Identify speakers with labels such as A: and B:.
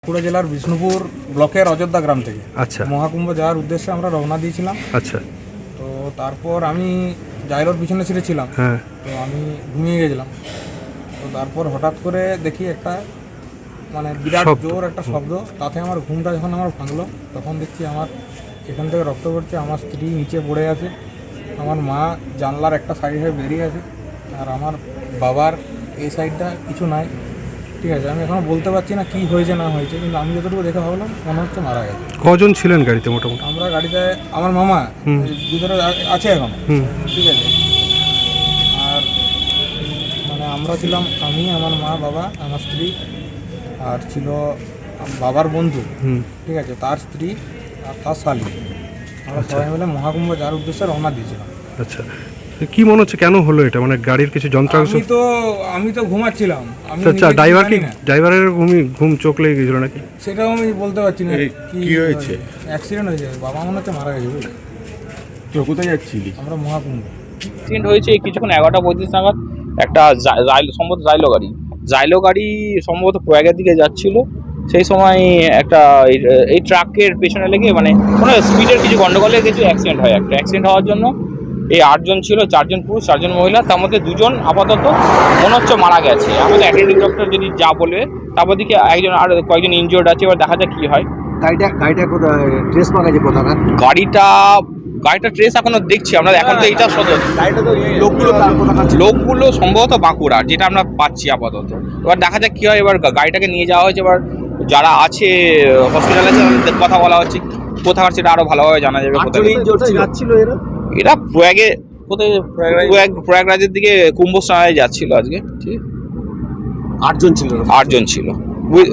A: বাঁকুড়া জেলার বিষ্ণুপুর ব্লকের অযোধ্যা গ্রাম থেকে
B: আচ্ছা
A: মহাকুম্ভ যাওয়ার উদ্দেশ্যে আমরা রওনা দিয়েছিলাম।
B: আচ্ছা
A: তো তারপর আমি জাইলোর পিছনে ছিঁড়েছিলাম,
B: হ্যাঁ
A: তো আমি ঘুমিয়ে গেছিলাম। তো তারপর হঠাৎ করে দেখি একটা বিরাট
B: শব্দ।
A: জোর একটা শব্দ, তাতে আমার ঘুমটা যখন আমার ভাঙলো তখন দেখছি আমার এখান থেকে রক্ত পড়ছে, আমার স্ত্রী নিচে পড়ে আছে, আমার মা জানলার একটা সাইডে বেরিয়ে আছে, আর আমার বাবার এই সাইডটা কিছু নাই। ঠিক আছে, আমি এখনও বলতে পারছি না কী হয়েছে না হয়েছে, কিন্তু আমি যতটুকু দেখে ভাবলাম মনে হচ্ছে মারা গেছে।
B: কজন ছিলেন গাড়িতে মোটামুটি?
A: আমরা গাড়িতে আমার মামা ভিতরে আছে এখন,
B: হুম
A: ঠিক আছে। আর আমরা ছিলাম আমি, আমার মা, বাবা, আমার স্ত্রী, আর ছিল বাবার বন্ধু,
B: হুম
A: ঠিক আছে, তার স্ত্রী আর তার শালী। আমরা সবাই মিলে মহাকুম্ভ যাওয়ার উদ্দেশ্যে রওনা দিয়েছিলাম।
B: আচ্ছা, কি মনে হচ্ছে কেন হলো এটা? গাড়ির কিছু যন্ত্রাংশ?
A: আমি তো ঘুমাচ্ছিলাম।
B: আচ্ছা, ড্রাইভার কি ড্রাইভারের ঘুম চোখ লেগে গেছিল নাকি?
A: সেটাও আমি বলতে পারছি না
C: কি হয়েছে।
A: অ্যাক্সিডেন্ট হয়েছে, বাবা মনে হচ্ছে মারা গেছে। বুঝলি,
C: তো কোথায় যাচ্ছিলি?
A: আমরা মহাকুম্ভ।
D: অ্যাক্সিডেন্ট হয়েছে কিছুক্ষণ 11:35 নাগাদ। একটা সম্ভবত জাইলো গাড়ি সম্ভবত প্রয়াগের দিকে যাচ্ছিল। সেই সময় একটা এই ট্রাকের পেছনে লেগে কোনো স্পিডের কিছু গন্ডগোলে কিছু অ্যাক্সিডেন্ট হয়। একটা অ্যাক্সিডেন্ট হওয়ার জন্য এই 8 জন ছিল, 4 জন পুরুষ 4 জন মহিলা, তার মধ্যে 2 জন আপাতত মনে হচ্ছে মারা গেছে। আমাদের অ্যাটেন্ডিং ডক্টর যদি যা বলবে, তারপর দিকে একজন আর কয়েকজন ইনজিওর্ড আছে, এবার দেখা যাক কী হয়।
E: গাড়িটা কোথায় ট্রেস পাওয়া গেছে? কোথায়
D: গাড়িটা ট্রেস এখনো দেখছি আমরা। এখন তো এইটা সদর লোকগুলো সম্ভবত বাঁকুড়া, যেটা আমরা পাচ্ছি আপাতত। এবার দেখা যাক কী হয়। এবার গাড়িটাকে নিয়ে যাওয়া হয়েছে, এবার যারা আছে হসপিটালে তাদের কথা বলা হচ্ছে, কোথাকার সেটা আরও ভালোভাবে জানা যাবে। এরা প্রয়াগরাজের দিকে কুম্ভ স্নানে যাচ্ছিল আজকে। ঠিক,
E: 8 জন ছিল।
D: 8 জন ছিল।